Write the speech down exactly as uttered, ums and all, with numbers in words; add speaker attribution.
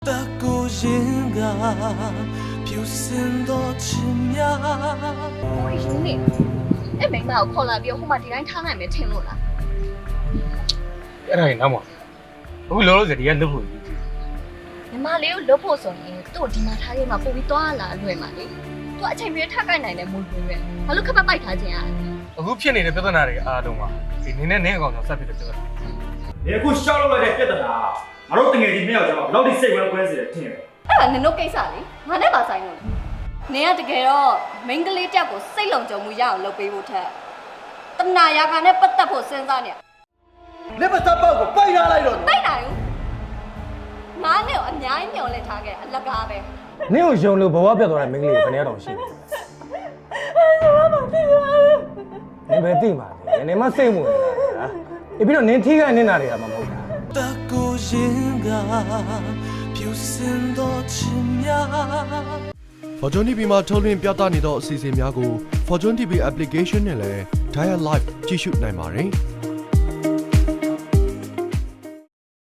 Speaker 1: 的孤影啊，飘散多奇妙。
Speaker 2: 我有你，哎，明白我考了比我妈这样看还没听落了。
Speaker 3: အဲ့ဒါရင်နောက်မှာအခုလောလောဆယ်ဒီကလွတ်ဖို့ကြီး
Speaker 2: ညီမလေးကိုလွတ်ဖို့ဆိုရင်သူ့ဒီမှာထားခဲ့မှာပို့ပြီးသွားလာလွယ်မှာလေ။ तू အချိန်ပြည့်ထပ်ကိုက်နိုင်တယ်မို့လို့ပဲ။ဘာလို့ခက်ပတ်ပိုက်ထားခြင်းอ่ะ
Speaker 3: အခုဖြစ်နေတဲ့ပြဿနာတွေအားလုံးကဒီနင်းနဲ့နင်းအကောင်ကြောင့်ဆက်ဖြစ်တဲ့ပြဿနာ
Speaker 4: ။ဒီအခုရှောက်လုပ်လိုက်တဲ့ပြဿနာငါတို့တငယ်ချင်းနှစ်ယောက်ကြောင့်ဘယ်လောက်ထိစိတ်ဝဲခွဲစေတယ်ထင်တယ်
Speaker 2: ။အဲ့ဒါနင်တို့ကိစ္စလေ။ငါနဲ့ပါဆိုင်လို့။နင်ကတကယ်တော့မိန်းကလေးတက်ကိုစိတ်လုံခြုံမှုရအောင်လုပ်ပေးဖို့ထက်တနာရာခါနဲ့ပတ်သက်ဖို့စဉ်းစားနေ
Speaker 5: လက်ပတ်သက်ပေါက်ကိုပိုက်ထားလိုက်တော့
Speaker 2: ။တိုက်နိုင်ဘူး။ငါနဲ့ကိုအများကြီးမျောလဲထားခဲ့အလကားပဲ
Speaker 6: နင့်ကိုယုံလို့ဘဝပြတ်သွားတဲ့မိန်းကလေးကိုဘယ်နဲ့တောင်ရှိလဲနင်ပဲသိမှာလေနင်မစိတ်ဝင်နေတာအေးပြီးတော့နင်ထိခိုက်နေတာတွေကမှမဟုတ်တာ
Speaker 1: 的孤影啊，飘散多奇妙。
Speaker 7: Fortune တီဗီ မှာထုတ်လွှင့်ပြသနေသောအစီအစဉ်များကို Fortune တီဗီ application နဲ့လည်း Dial Live ကြည့်ရှုနိုင်ပါတယ်။